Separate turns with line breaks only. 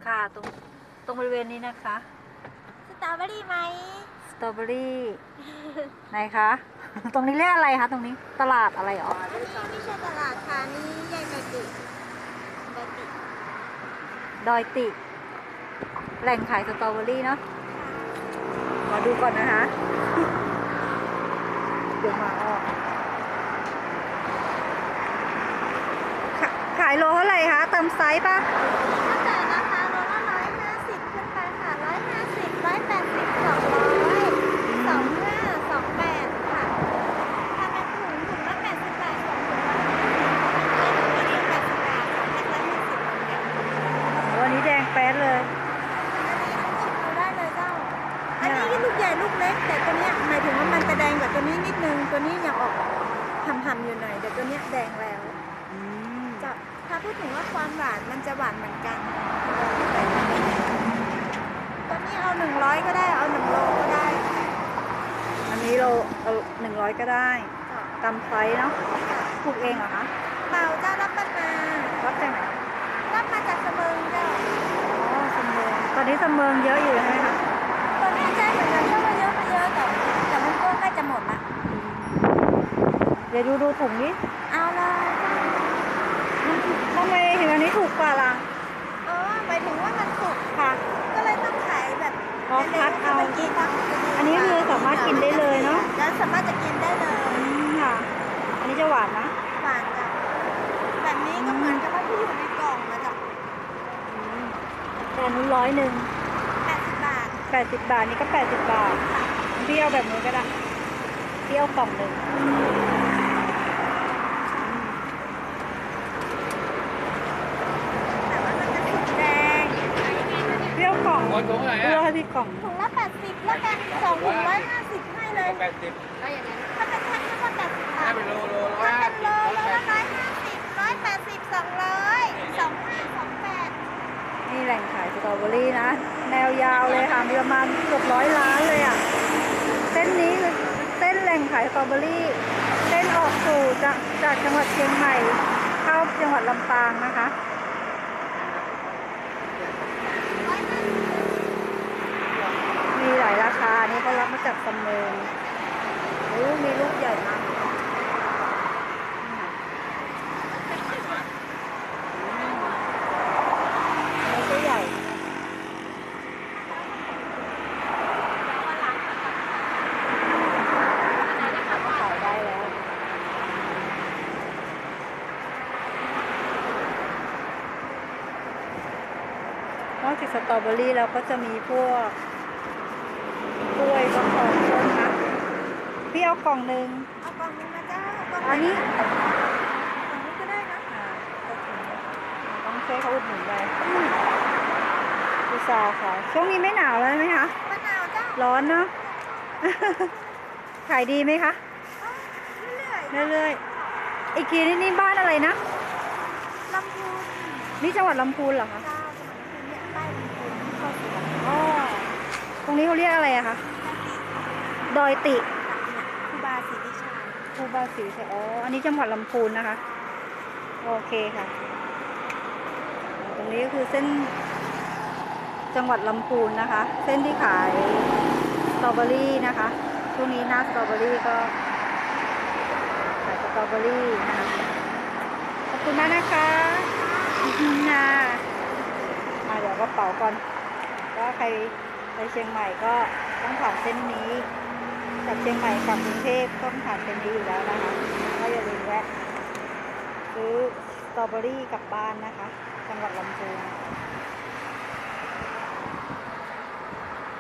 ค่ะตรงบริเวณนี้นะคะ
สตรอเบอรี่ไหม
สตรอเบอรี่ไหนคะ ตรงนี้เรียกอะไรคะตรงนี้ตลาดอะไรอ๋อ
อันนี้ไม่ใช่ตลาดค่ะนี่ใหญ่ไปติไปติ
ดอยติแหล่งขายสตรอเบอรี่เนาะมาดูก่อนนะคะ เดี๋ยวมาออกขายโลเท่าไหร่คะเติมไซส์ปะ
ตั้งแต่ราคาโลละ150ขึ้นไปค่ะ150 180 200 25 28ค่ะถ้าเป็นถุงละ80 บาท2ถุงละ80 บาท2แพ็คละ20เหมือนกัน
วันนี้แดงแป๊ดเลย
ชิมดูได้เลยเจ้าอันนี้ลูกใหญ่ลูกเล็กแต่ตัวเนี้ยหมายถึงว่ามันจะแดงกว่าตัวนี้นิดนึงตัวนี้ยังออกหำๆอยู่หน่อยแต่ตัวเนี้ยแดงแล้วจะถ้าพูดถึงว่าความหวานมันจะหวานเหมือนกันตัวนี้เอา100ก็ได้เอา1โลก็ได้
อันนี้เราเอา100ก็ได้ตามไซส์เนาะปลูกเองเหรอคะ
เปล่าเจ้ารับมา
รับจากไหน
รับมาจากเสมิงเจ้า
อ๋อสำเริงตอนนี้สำเริงเยอะอยู่ใช่ไหมคะ
ตัวนี้ใช่เหมือนกันก็มาเยอะแต่มันก็ใกล้จะหมดละ
เดี๋ยวดูถุงนี้
เอาเลย
ทำไมถึงอันนี้ถูกกว่าล่ะ
หมายถึงว่ามันสุก
ค่ะ
ก็เลยต้องขายแบบ
คัดเอา
กิน
อันนี้คือสามารถกินได้เลยเนาะ
แล้วสามารถจะกินได้เลย
ค่ะ อันนี้จะหวานนะ
หวานจ้ะแบบนี้ก็เหมือนกับว่าที่อยู่ในกล่องนะจ๊ะ
แต่นู้น100
80 บาท
80 บาทนี่ก็80 บาทเปรี้ยวแบบนี้ก็ได้เปรี้ยวกล่องหนึ่ง
แต่ว่ามันจะสุกแดง
เปรี้ยวกล่อง
ถุงไหน
เปรี้ยวให้พี่กล่อง
ถุงละ80แล้วกัน2ถุง150ให้เลย
80
ถ้าเป็นแท่งก็80 บาท
ถ้าเป็นโล
ถ้าเป็นโลละ
150
150 180 200 25 28
นี่แหล่งขายสตรอเบอรี่นะแนวยาวเลยค่ะมีประมาณเกือบ100 ล้านเลยอ่ะเส้นนี้คือเส้นแหล่งขายสตรอเบอรี่เส้นออกสู่จากจังหวัดเชียงใหม่เข้าจังหวัดลำปางนะคะมีหลายราคานี่เขารับมาจากสำเริงมีลูกใหญ่มากนี่ก็ใหญ่ขายได้แล้วนอกจากสตรอเบอรี่แล้วก็จะมีพวกกล้วยก็ของต้นนะพี่เอากล่องหนึ่ง
เอากล่องนึงมาจ้ากล่อง
อันนี้
ก็ได้นะ
ต้องช่วยเขาอุดหนุนไปอุตส่าห์ค่ะช่วงนี้ไม่หนาวแล้วไหมคะ
มะนาวจ้า
ร้อนเนาะ ขายดีไหมคะ
เรื่อย
ๆอีกทีนี่บ้านอะไรนะ
ลำพูน
นี่จังหวัดลำพูนเหรอคะ
เจ้าจังหวัดลำพูนเนี่ยป้ายลำพูนเข้าสวน
อ๋อตรงนี้เขาเรียกอะไรอะคะดอยติ
ครูบาศรีวิชัย
ครูบาศรีอ๋ออันนี้จังหวัดลำพูนนะคะโอเคค่ะตรงนี้ก็คือเส้นจังหวัดลำพูนนะคะเส้นที่ขายสตรอเบอรี่นะคะช่วงนี้หน้าสตรอเบอรี่ก็ขายสตรอเบอรี่นะคะขอบคุณมากนะคะเดี๋ยวกระเป๋าก่อนก็ใครไปเชียงใหม่ก็ต้องผ่านเส้นนี้จากเชียงใหม่กลับกรุงเทพต้องผ่านเส้นนี้อยู่แล้วนะคะก็อย่าลืมแวะซื้อสตรอเบอรี่กลับบ้านนะคะจังหวัดลำพูน